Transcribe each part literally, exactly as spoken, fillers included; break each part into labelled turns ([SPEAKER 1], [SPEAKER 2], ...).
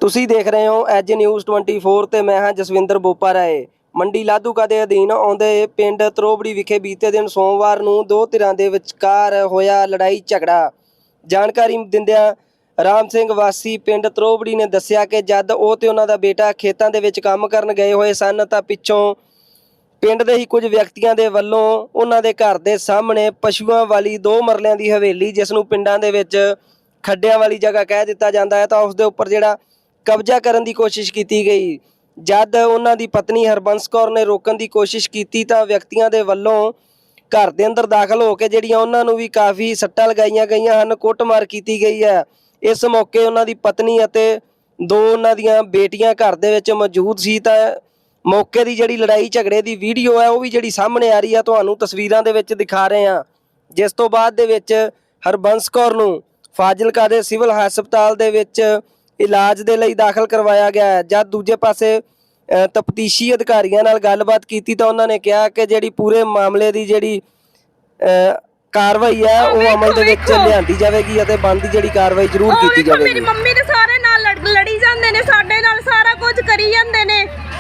[SPEAKER 1] ਤੁਸੀਂ ਦੇਖ ਰਹੇ ਹੋ ਐਜ ਨਿਊਜ਼ ਚੌਬੀ ਤੇ ਮੈਂ ਹਾਂ ਜਸਵਿੰਦਰ ਬੋਪਾ ਰਾਏ। ਮੰਡੀ ਲਾਧੂਕਾ ਦੇ ਅਧੀਨ ਆਉਂਦੇ ਪਿੰਡ ਤਰੋਬੜੀ ਵਿਖੇ ਬੀਤੇ ਦਿਨ ਸੋਮਵਾਰ ਨੂੰ ਦੋ ਧਿਰਾਂ ਦੇ ਵਿਚਕਾਰ ਹੋਇਆ ਲੜਾਈ ਝਗੜਾ। ਜਾਣਕਾਰੀ ਦਿੰਦਿਆਂ ਰਾਮ ਸਿੰਘ ਵਾਸੀ ਪਿੰਡ ਤਰੋਬੜੀ ਨੇ ਦੱਸਿਆ ਕਿ ਜਦ ਉਹ ਤੇ ਉਹਨਾਂ ਦਾ ਬੇਟਾ ਖੇਤਾਂ ਦੇ ਵਿੱਚ ਕੰਮ ਕਰਨ ਗਏ ਹੋਏ ਸਨ ਤਾਂ ਪਿੱਛੋਂ ਪਿੰਡ ਦੇ ਹੀ ਕੁਝ ਵਿਅਕਤੀਆਂ ਦੇ ਵੱਲੋਂ ਉਹਨਾਂ ਦੇ ਘਰ ਦੇ ਸਾਹਮਣੇ ਪਸ਼ੂਆਂ ਵਾਲੀ ਦੋ ਮਰਲਿਆਂ ਦੀ ਹਵੇਲੀ, ਜਿਸ ਨੂੰ ਪਿੰਡਾਂ ਦੇ ਵਿੱਚ ਖੱਡਿਆਂ ਵਾਲੀ ਜਗ੍ਹਾ ਕਹਿ ਦਿੱਤਾ ਜਾਂਦਾ ਹੈ, ਤਾਂ ਉਸ ਦੇ ਉੱਪਰ ਜਿਹੜਾ ਕਬਜ਼ਾ ਕਰਨ ਦੀ ਕੋਸ਼ਿਸ਼ ਕੀਤੀ ਗਈ। ਜਦ ਉਹਨਾਂ ਦੀ ਪਤਨੀ ਹਰਬੰਸ ਕੌਰ ਨੇ ਰੋਕਣ ਦੀ ਕੋਸ਼ਿਸ਼ ਕੀਤੀ ਤਾਂ ਵਿਅਕਤੀਆਂ ਦੇ ਵੱਲੋਂ ਘਰ ਦੇ ਅੰਦਰ ਦਾਖਲ ਹੋ ਕੇ ਜਿਹੜੀਆਂ ਉਹਨਾਂ ਨੂੰ ਵੀ ਕਾਫੀ ਸੱਟਾਂ ਲਗਾਈਆਂ ਗਈਆਂ ਹਨ, ਕੁੱਟਮਾਰ ਕੀਤੀ ਗਈ ਹੈ। ਇਸ ਮੌਕੇ ਉਹਨਾਂ ਦੀ ਪਤਨੀ ਅਤੇ ਦੋ ਉਹਨਾਂ ਦੀਆਂ ਬੇਟੀਆਂ ਘਰ ਦੇ ਵਿੱਚ ਮੌਜੂਦ ਸੀ। ਤਾਂ ਮੌਕੇ ਦੀ ਜਿਹੜੀ ਲੜਾਈ ਝਗੜੇ ਦੀ ਵੀਡੀਓ ਹੈ ਉਹ ਵੀ ਜਿਹੜੀ ਸਾਹਮਣੇ ਆ ਰਹੀ ਹੈ, ਤੁਹਾਨੂੰ ਤਸਵੀਰਾਂ ਦੇ ਵਿੱਚ ਦਿਖਾ ਰਹੇ ਹਾਂ। ਜਿਸ ਤੋਂ ਬਾਅਦ ਦੇ ਵਿੱਚ ਹਰਬੰਸ ਕੌਰ ਨੂੰ ਫਾਜ਼ਿਲਕਾ ਦੇ ਸਿਵਲ ਹਸਪਤਾਲ ਦੇ ਵਿੱਚ ਇਲਾਜ ਦੇ ਲਈ ਦਾਖਲ ਕਰਵਾਇਆ ਗਿਆ ਹੈ। ਜਦ ਦੂਜੇ ਪਾਸੇ ਤਫਤੀਸ਼ੀ ਅਧਿਕਾਰੀਆਂ ਨਾਲ ਗੱਲਬਾਤ ਕੀਤੀ ਤਾਂ ਉਹਨਾਂ ਨੇ ਕਿਹਾ ਕਿ ਜਿਹੜੀ ਪੂਰੇ ਮਾਮਲੇ ਦੀ ਜਿਹੜੀ ਕਾਰਵਾਈ ਹੈ ਉਹ ਅਮਲ ਦੇ ਵਿੱਚ ਲਿਆਂਦੀ ਜਾਵੇਗੀ ਅਤੇ ਬਣਦੀ ਜਿਹੜੀ ਕਾਰਵਾਈ ਜ਼ਰੂਰ ਕੀਤੀ ਜਾਵੇਗੀ।
[SPEAKER 2] ਮੇਰੀ ਮੰਮੀ ਦੇ ਸਾਰੇ ਨਾਲ ਲੜੀ ਜਾਂਦੇ ਨੇ, ਸਾਡੇ ਨਾਲ ਸਾਰਾ ਕੁਝ ਕਰੀ ਜਾਂਦੇ ਨੇ।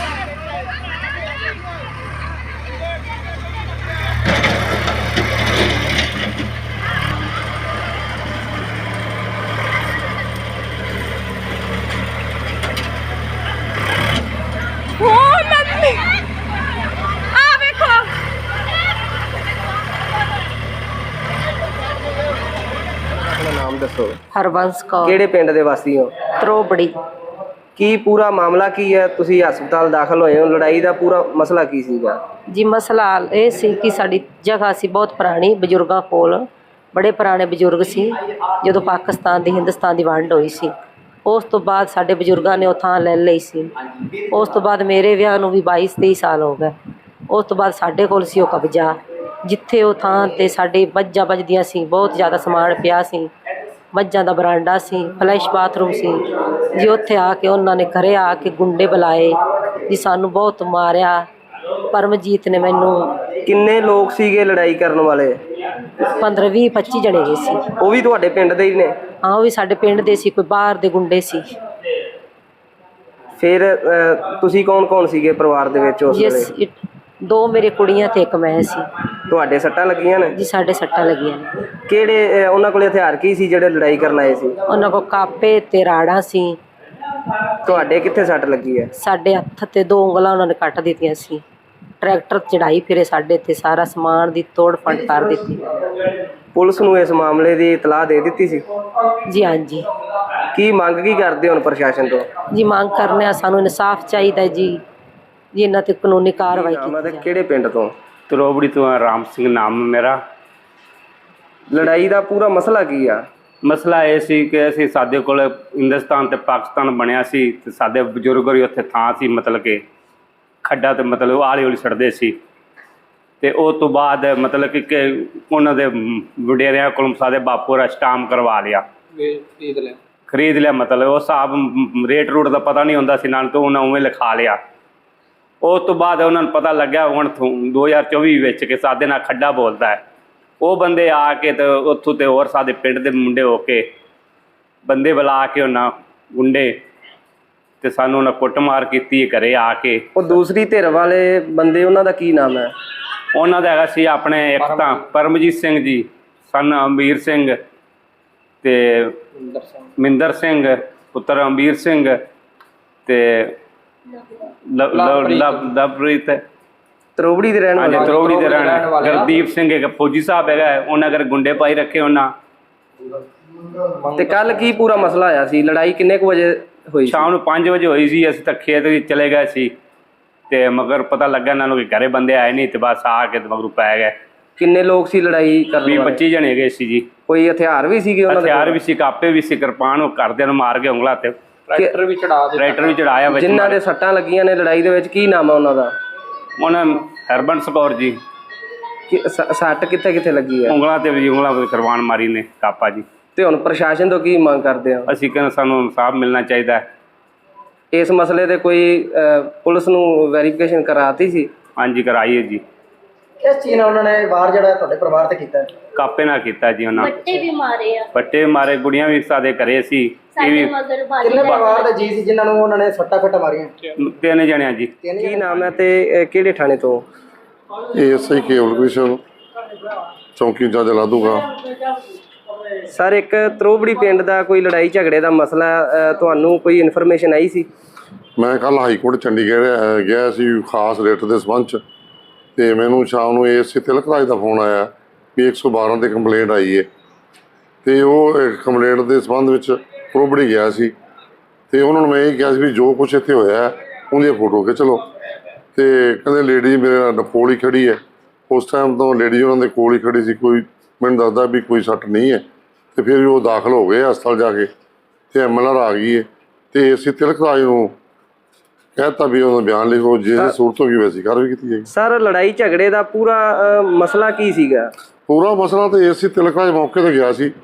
[SPEAKER 1] ਨਾਮ ਦੱਸੋ।
[SPEAKER 3] ਹਰਬੰਸ ਕੌਰ।
[SPEAKER 1] ਕਿਹੜੇ ਪਿੰਡ ਦੇ ਵਾਸੀ ਹੋ?
[SPEAKER 3] ਤਰੋਬੜੀ।
[SPEAKER 1] ਕੀ ਪੂਰਾ ਮਾਮਲਾ ਕੀ ਹੈ? ਤੁਸੀਂ ਹਸਪਤਾਲ ਦਾਖਲ ਹੋਏ ਹੋ, ਲੜਾਈ ਦਾ ਪੂਰਾ ਮਸਲਾ ਕੀ ਸੀਗਾ
[SPEAKER 3] ਜੀ? ਮਸਲਾ ਇਹ ਸੀ ਕਿ ਸਾਡੀ ਜਗ੍ਹਾ ਸੀ ਬਹੁਤ ਪੁਰਾਣੀ, ਬਜ਼ੁਰਗਾਂ ਕੋਲ, ਬੜੇ ਪੁਰਾਣੇ ਬਜ਼ੁਰਗ ਸੀ। ਜਦੋਂ ਪਾਕਿਸਤਾਨ ਦੀ ਹਿੰਦੁਸਤਾਨ ਦੀ ਵੰਡ ਹੋਈ ਸੀ ਉਸ ਤੋਂ ਬਾਅਦ ਸਾਡੇ ਬਜ਼ੁਰਗਾਂ ਨੇ ਉਹ ਥਾਂ ਲੈ ਲਈ ਸੀ। ਉਸ ਤੋਂ ਬਾਅਦ ਮੇਰੇ ਵਿਆਹ ਨੂੰ ਵੀ ਬਾਈ ਤੇਈ ਸਾਲ ਹੋ ਗਏ। ਉਸ ਤੋਂ ਬਾਅਦ ਸਾਡੇ ਕੋਲ ਸੀ ਉਹ ਕਬਜ਼ਾ, ਜਿੱਥੇ ਉਹ ਥਾਂ 'ਤੇ ਸਾਡੇ ਮੱਝਾਂ ਵੱਜਦੀਆਂ ਸੀ, ਬਹੁਤ ਜ਼ਿਆਦਾ ਸਮਾਨ ਪਿਆ ਸੀ। ਮੱਝਾਂ ਦਾ ਬਰਾਂਡਾ ਸੀ, ਫਲੈਸ਼ ਬਾਥਰੂਮ ਸੀ ਜੀ। ਉੱਥੇ ਆ ਕੇ ਉਹਨਾਂ ਨੇ ਘਰੇ ਆ ਕੇ ਗੁੰਡੇ ਬੁਲਾਏ ਜੀ, ਸਾਨੂੰ ਬਹੁਤ ਮਾਰਿਆ। ਪਰਮਜੀਤ ਨੇ ਮੈਨੂੰ।
[SPEAKER 1] ਕਿੰਨੇ ਲੋਕ ਸੀਗੇ ਲੜਾਈ ਕਰਨ ਵਾਲੇ?
[SPEAKER 3] ਪੰਦਰਾਂ ਵੀਹ ਪੱਚੀ ਜਣੇ ਗਏ ਸੀ।
[SPEAKER 1] ਉਹ ਵੀ ਤੁਹਾਡੇ ਪਿੰਡ ਦੇ ਹੀ ਨੇ?
[SPEAKER 3] ਹਾਂ, ਉਹ ਵੀ ਸਾਡੇ ਪਿੰਡ ਦੇ ਸੀ, ਕੋਈ ਬਾਹਰ ਦੇ ਗੁੰਡੇ ਸੀ।
[SPEAKER 1] ਫਿਰ ਤੁਸੀਂ ਕੌਣ ਕੌਣ ਸੀਗੇ ਪਰਿਵਾਰ ਦੇ ਵਿੱਚ ਉਸ ਵੇਲੇ?
[SPEAKER 3] ਦੋ ਮੇਰੇ ਕੁੜੀਆਂ ਤੇ ਇੱਕ ਮੈਂ ਸੀ।
[SPEAKER 1] ਤੁਹਾਡੇ ਸੱਟਾਂ ਲੱਗੀਆਂ ਨੇ?
[SPEAKER 3] ਜੀ ਸਾਡੇ ਸੱਟਾਂ ਲੱਗੀਆਂ ਨੇ।
[SPEAKER 1] ਕਿਹੜੇ ਉਹਨਾਂ ਕੋਲ ਹਥਿਆਰ ਕੀ ਸੀ ਜਿਹੜੇ ਲੜਾਈ ਕਰਨ ਆਏ ਸੀ?
[SPEAKER 3] ਉਹਨਾਂ ਕੋਲ ਕਾਪੇ ਤੇ ਰਾੜਾਂ ਸੀ।
[SPEAKER 1] ਤੁਹਾਡੇ ਕਿੱਥੇ ਸੱਟ ਲੱਗੀ ਹੈ?
[SPEAKER 3] ਸਾਡੇ ਹੱਥ ਤੇ ਦੋ ਉਂਗਲਾਂ ਉਹਨਾਂ ਨੇ ਕੱਟ ਦਿੱਤੀਆਂ ਸੀ। ਟਰੈਕਟਰ ਚੜਾਈ ਫਿਰੇ ਸਾਡੇ ਤੇ, ਸਾਰਾ ਸਮਾਨ ਦੀ ਤੋੜ ਫੰਡ ਕਰ ਦਿੱਤੀ।
[SPEAKER 1] ਪੁਲਿਸ ਨੂੰ ਇਸ ਮਾਮਲੇ ਦੀ ਇਤਲਾਹ ਦੇ ਦਿੱਤੀ ਸੀ?
[SPEAKER 3] ਜੀ ਹਾਂਜੀ।
[SPEAKER 1] ਕੀ ਮੰਗ ਕੀ ਕਰਦੇ ਹੁਣ ਪ੍ਰਸ਼ਾਸਨ ਤੋਂ?
[SPEAKER 3] ਜੀ ਮੰਗ ਕਰਨੇ ਆ, ਸਾਨੂੰ ਇਨਸਾਫ ਚਾਹੀਦਾ ਜੀ ਜੀ ਇਹਨਾਂ ਤੇ ਕਾਨੂੰਨੀ ਕਾਰਵਾਈ ਕੀਤੀ ਜਾਵੇ।
[SPEAKER 1] ਕਿਹੜੇ ਪਿੰਡ ਤੋਂ?
[SPEAKER 4] ਤਰੋਬੜੀ ਤੋਂ। ਰਾਮ ਸਿੰਘ ਨਾਮ ਮੇਰਾ।
[SPEAKER 1] ਲੜਾਈ ਦਾ ਪੂਰਾ ਮਸਲਾ ਕੀ ਆ?
[SPEAKER 4] ਮਸਲਾ ਇਹ ਸੀ ਕਿ ਅਸੀਂ ਸਾਡੇ ਕੋਲ ਹਿੰਦੁਸਤਾਨ ਤੇ ਪਾਕਿਸਤਾਨ ਬਣਿਆ ਸੀ ਤੇ ਸਾਡੇ ਬਜ਼ੁਰਗ ਵੀ ਉੱਥੇ ਥਾਂ ਸੀ, ਮਤਲਬ ਕਿ ਖੱਡਾ ਤੇ ਮਤਲਬ ਆਲੇ ਹੌਲੀ ਛੱਡਦੇ ਸੀ। ਤੇ ਉਸ ਤੋਂ ਬਾਅਦ ਮਤਲਬ ਕਿ ਉਹਨਾਂ ਦੇ ਵਡੇਰਿਆਂ ਕੋਲੋਂ ਸਾਡੇ ਬਾਪੂ ਦਾ ਸਟਾਮ ਕਰਵਾ ਲਿਆ, ਖਰੀਦ ਲਿਆ ਖਰੀਦ ਲਿਆ ਮਤਲਬ ਉਹ ਹਿਸਾਬ ਰੇਟ ਰੂਟ ਦਾ ਪਤਾ ਨਹੀਂ ਹੁੰਦਾ ਸੀ ਨਾਲ, ਤੋਂ ਉਹਨਾਂ ਉਵੇਂ ਲਿਖਾ ਲਿਆ। ਉਸ ਤੋਂ ਬਾਅਦ ਉਹਨਾਂ ਨੂੰ ਪਤਾ ਲੱਗਿਆ ਹੁਣ ਦੋ ਹਜ਼ਾਰ ਚੌਵੀ ਵਿੱਚ ਕਿ ਸਾਡੇ ਨਾਲ ਖੱਡਾ ਬੋਲਦਾ ਹੈ। ਉਹ ਬੰਦੇ ਆ ਕੇ ਤੇ ਉੱਥੋਂ ਤੇ ਹੋਰ ਸਾਡੇ ਪਿੰਡ ਦੇ ਮੁੰਡੇ ਹੋ ਕੇ ਬੰਦੇ ਬੁਲਾ ਕੇ ਉਹਨਾਂ ਗੁੰਡੇ ਤੇ ਸਾਨੂੰ ਉਹਨਾਂ ਕੁੱਟਮਾਰ ਕੀਤੀ ਘਰੇ ਆ ਕੇ।
[SPEAKER 1] ਉਹ ਦੂਸਰੀ ਧਿਰ ਵਾਲੇ ਬੰਦੇ, ਉਹਨਾਂ ਦਾ ਕੀ ਨਾਮ ਹੈ?
[SPEAKER 4] ਉਹਨਾਂ ਦਾ ਹੈਗਾ ਸੀ ਆਪਣੇ ਇੱਕ ਤਾਂ ਪਰਮਜੀਤ ਸਿੰਘ ਜੀ, ਸਨ ਅੰਬੀਰ ਸਿੰਘ ਤੇ ਮਿੰਦਰ ਸਿੰਘ ਪੁੱਤਰ ਅੰਬੀਰ ਸਿੰਘ ਤੇ ਲਵਪ੍ਰੀਤ
[SPEAKER 1] ਤਰੋਬੜੀ ਦੇ ਰਹਿਣ ਵਾਲੇ।
[SPEAKER 4] ਤਰੋਬੜੀ ਦੇ ਰਹਿਣ ਵਾਲੇ। ਗੁਰਦੀਪ ਸਿੰਘ ਇੱਕ ਫੌਜੀ ਸਾਹਿਬ ਹੈਗਾ, ਉਹਨਾਂ ਅਗਰ ਗੁੰਡੇ ਪਾਈ ਰੱਖੇ ਉਹਨਾਂ।
[SPEAKER 1] ਤੇ ਕੱਲ ਕੀ ਪੂਰਾ ਮਸਲਾ ਆਇਆ ਸੀ? ਲੜਾਈ ਕਿੰਨੇ ਕੁ ਵਜੇ ਹੋਈ?
[SPEAKER 4] ਸ਼ਾਮ ਨੂੰ ਪੰਜ ਵਜੇ ਹੋਈ ਸੀ। ਅਸੀਂ ਤਾਂ ਖੇਤ ਵਿੱਚ ਚਲੇ ਗਏ ਸੀ ਤੇ ਮਗਰ ਪਤਾ ਲੱਗਾ ਇਹਨਾਂ ਨੂੰ ਕਿ ਘਰੇ ਬੰਦੇ ਆਏ ਨਹੀਂ ਤੇ ਬਸ ਆ ਕੇ ਮਗਰੂ ਪੈ ਗਏ।
[SPEAKER 1] ਕਿੰਨੇ ਲੋਕ ਸੀ ਲੜਾਈ ਕਰਨ ਵਾਲੇ?
[SPEAKER 4] ਵੀਹ ਪੱਚੀ ਜਣੇ ਗਏ ਸੀ ਜੀ।
[SPEAKER 1] ਕੋਈ ਹਥਿਆਰ ਵੀ ਸੀਗੇ ਉਹਨਾਂ ਦੇ?
[SPEAKER 4] ਹਥਿਆਰ ਵੀ ਸੀ, ਕਾਪੇ ਵੀ ਸੀ, ਕਿਰਪਾਨ। ਉਹ ਘਰਦਿਆਂ ਨੂੰ ਮਾਰ ਕੇ ਉਂਗਲਾਂ ਤੇ
[SPEAKER 1] ਟਰੈਕਟਰ ਵੀ ਚੜਾ
[SPEAKER 4] ਟਰੈਕਟਰ ਵੀ ਚੜਾਇਆ।
[SPEAKER 1] ਜਿਨ੍ਹਾਂ ਦੇ ਸੱਟਾਂ ਲੱਗੀਆਂ ਨੇ ਲੜਾਈ ਦੇ ਵਿੱਚ, ਕੀ ਨਾਮ ਹੈ ਉਹਨਾਂ ਦਾ?
[SPEAKER 4] ਉਹਨਾਂ ਹਰਬੰਸ ਕੌਰ ਜੀ।
[SPEAKER 1] ਸੱਟ ਕਿੱਥੇ ਕਿੱਥੇ ਲੱਗੀ ਹੈ?
[SPEAKER 4] ਉਂਗਲਾਂ ਤੇ ਵੀ, ਉਂਗਲਾਂ ਤੇ ਕਿਰਪਾਨ ਮਾਰੀ ਨੇ, ਕਾਪਾ ਜੀ।
[SPEAKER 1] ਤੇ ਹੁਣ ਪ੍ਰਸ਼ਾਸਨ ਤੋਂ ਕੀ ਮੰਗ ਕਰਦੇ ਹੋ?
[SPEAKER 4] ਅਸੀਂ ਕਹਿੰਦੇ ਸਾਨੂੰ ਇਨਸਾਫ ਮਿਲਣਾ ਚਾਹੀਦਾ ਹੈ।
[SPEAKER 1] ਇਸ ਮਸਲੇ ਤੇ ਕੋਈ ਪੁਲਿਸ ਨੂੰ ਵੈਰੀਫਿਕੇਸ਼ਨ ਕਰਾਤੀ ਸੀ?
[SPEAKER 4] ਹਾਂਜੀ ਕਰਾਈ ਹੈ ਜੀ।
[SPEAKER 5] ਕਿਸ ਚੀਜ਼ ਨਾਲ ਉਹਨਾਂ ਨੇ ਵਾਰ ਜਿਹੜਾ ਤੁਹਾਡੇ ਪਰਿਵਾਰ ਤੇ ਕੀਤਾ?
[SPEAKER 4] ਕਾਪੇ ਨਾਲ ਕੀਤਾ ਜੀ ਉਹਨਾਂ
[SPEAKER 2] ਬੱਟੇ ਵੀ ਮਾਰੇ ਆ
[SPEAKER 4] ਪੱਟੇ ਮਾਰੇ, ਗੁੜੀਆਂ ਵੀ ਸਾਡੇ ਘਰੇ ਸੀ, ਇਹ
[SPEAKER 2] ਸਾਡੇ
[SPEAKER 4] ਵੀ
[SPEAKER 2] ਮਗਰ ਬਾਜੀ
[SPEAKER 1] ਕਿੰਨੇ ਪਰਿਵਾਰ ਦੇ ਜੀ ਸੀ ਜਿਨ੍ਹਾਂ ਨੂੰ ਉਹਨਾਂ ਨੇ ਸੱਟਾਂ ਫੱਟਾਂ ਮਾਰੀਆਂ?
[SPEAKER 4] ਤਿੰਨ ਜਣਿਆਂ ਜੀ।
[SPEAKER 1] ਕੀ ਨਾਮ ਹੈ ਤੇ ਅਹ, ਕਿਹੜੇ ਥਾਣੇ ਤੋਂ?
[SPEAKER 5] ਇਹ ਐਸਆਈ ਕੇਵਲ ਕ੍ਰਿਸ਼ਨ ਚੌਂਕੀ ਜੱਜ ਲਾਧੂਗਾ।
[SPEAKER 1] ਸਰ, ਇੱਕ ਤਰੋਬੜੀ ਪਿੰਡ ਦਾ ਕੋਈ ਲੜਾਈ ਝਗੜੇ ਦਾ ਮਸਲਾ ਅਹ, ਤੁਹਾਨੂੰ ਕੋਈ ਇਨਫੋਰਮੇਸ਼ਨ ਆਈ ਸੀ?
[SPEAKER 5] ਮੈਂ ਕੱਲ ਹਾਈ ਕੋਰਟ ਚੰਡੀਗੜ੍ਹ ਅਹ, ਗਿਆ ਸੀ ਖਾਸ ਰਿਟ ਦੇ ਸੰਬੰਧ 'ਚ, ਤੇ ਮੈਨੂੰ ਸ਼ਾਮ ਨੂੰ ਏਐਸਸੀ ਤਿਲਕ ਰਾਜ ਦਾ ਫੋਨ ਆਇਆ ਵੀ ਇੱਕ ਸੌ ਬਾਰਾਂ ਤੇ ਕੰਪਲੇਂਟ ਆਈ ਹੈ, ਤੇ ਉਹ ਕੰਪਲੇਂਟ ਦੇ ਸੰਬੰਧ ਵਿੱਚ ਤਰੋਬੜੀ ਗਿਆ ਸੀ, ਤੇ ਉਹਨਾਂ ਨੂੰ ਮੈਂ ਇਹ ਕਿਹਾ ਸੀ ਵੀ ਜੋ ਕੁਛ ਇੱਥੇ ਹੋਇਆ ਉਹਦੀਆਂ ਫੋਟੋ ਖਿੱਚ ਲਓ। ਤੇ ਕਹਿੰਦੇ ਲੇਡੀ ਮੇਰੇ ਨਾਲ ਕੋਲ ਹੀ ਖੜੀ ਹੈ। ਉਸ ਟਾਈਮ ਤੋਂ ਲੇਡੀ ਉਹਨਾਂ ਦੇ ਕੋਲ ਹੀ ਖੜੀ ਸੀ, ਕੋਈ ਮੈਨੂੰ ਦੱਸਦਾ ਵੀ ਕੋਈ ਸੱਟ ਨਹੀਂ ਹੈ। ਤੇ ਫਿਰ ਉਹ ਦਾਖਲ ਹੋ ਗਏ ਹਸਪਤਾਲ ਜਾ ਕੇ, ਤੇ ਐਮਐਲਆਰ ਆ ਗਈ ਹੈ, ਤੇ ਅਸੀਂ ਤਿਲਕ ਰਾਜ ਨੂੰ ਕਹਿਤਾ ਵੀ ਉਹਦਾ ਬਿਆਨ ਲਿਖੋ, ਜੇ ਸੂਰਤ ਹੋ ਗਈ ਵੈਸੀ ਕਾਰਵਾਈ ਕੀਤੀ ਜਾਏਗੀ।
[SPEAKER 1] ਸਰ, ਲੜਾਈ ਝਗੜੇ ਦਾ ਪੂਰਾ ਅਹ, ਮਸਲਾ ਕੀ ਸੀਗਾ?
[SPEAKER 5] ਪੂਰਾ ਮਸਲਾ ਤੇ ਏਸੀ ਤਿਲਕ ਰਾਜ ਮੌਕੇ ਤੇ ਗਿਆ ਸੀ,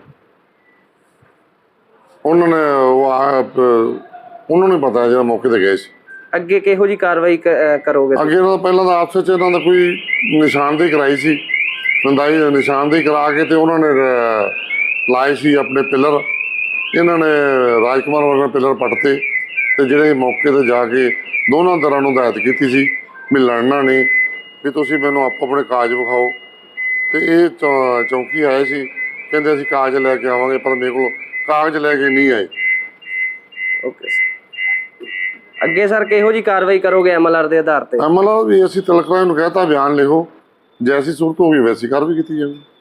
[SPEAKER 5] ਉਹਨਾਂ ਨੇ ਉਹ ਆ- ਉਹਨਾਂ ਨੂੰ ਪਤਾ ਜਿਹੜਾ ਮੌਕੇ ਤੇ ਗਏ ਸੀ।
[SPEAKER 1] ਅੱਗੇ ਕਿਹੋ ਜੀ ਕਾਰਵਾਈ ਕ- ਅਹ, ਕਰੋਗੇ?
[SPEAKER 5] ਅੱਗੇ ਇਹਨਾਂ ਦਾ ਪਹਿਲਾਂ ਤਾਂ ਆਪਸ ਵਿੱਚ ਇਹਨਾਂ ਦਾ ਕੋਈ ਨਿਸ਼ਾਨਦੇਹੀ ਕਰਾਈ ਸੀ, ਨੰਦਾਈ ਨਿਸ਼ਾਨਦੇਹੀ ਕਰਾ ਕੇ ਤੇ ਉਹਨਾਂ ਨੇ ਅਹ, ਲਾਏ ਸੀ ਆਪਣੇ ਪਿੱਲਰ। ਇਹਨਾਂ ਨੇ ਰਾਜਕੁਮਾਰ ਵਰਗਾ ਪਿੱਲਰ ਪੱਟਤੇ, ਤੇ ਜਿਹੜੇ ਮੌਕੇ ਤੇ ਜਾ ਕੇ ਦੋਨਾਂ ਤਰ੍ਹਾਂ ਨੂੰ ਹਦਾਇਤ ਕੀਤੀ ਸੀ ਵੀ ਲੜਨਾ ਨਹੀਂ, ਵੀ ਤੁਸੀਂ ਮੈਨੂੰ ਆਪੋ ਆਪਣੇ ਕਾਗਜ਼ ਵਿਖਾਓ। ਤੇ ਇਹ ਚੌ- ਚੌਂਕੀ ਆਏ ਸੀ, ਕਹਿੰਦੇ ਅਸੀਂ ਕਾਗਜ਼ ਲੈ ਕੇ ਆਵਾਂਗੇ, ਪਰ ਮੇਰੇ ਕੋਲ ਕਾਗਜ਼ ਲੈ ਕੇ ਨਹੀਂ ਆਏ।
[SPEAKER 1] Okay sir. ਅੱਗੇ ਸਰ ਕਿਹੋ ਜੀ ਕਾਰਵਾਈ ਕਰੋਗੇ ਐਮਐਲਆਰ ਦੇ ਆਧਾਰ ਤੇ?
[SPEAKER 5] ਐਮਐਲਆਰ ਵੀ ਅਸੀਂ ਤਿਲਕ ਰਾਜ ਨੂੰ ਕਹਿਤਾ ਬਿਆਨ ਲਿਖੋ, ਜੈਸੀ ਸੂਰਤ ਹੋ ਗਈ ਵੈਸੀ ਕਾਰਵਾਈ ਕੀਤੀ ਜਾਊਗੀ।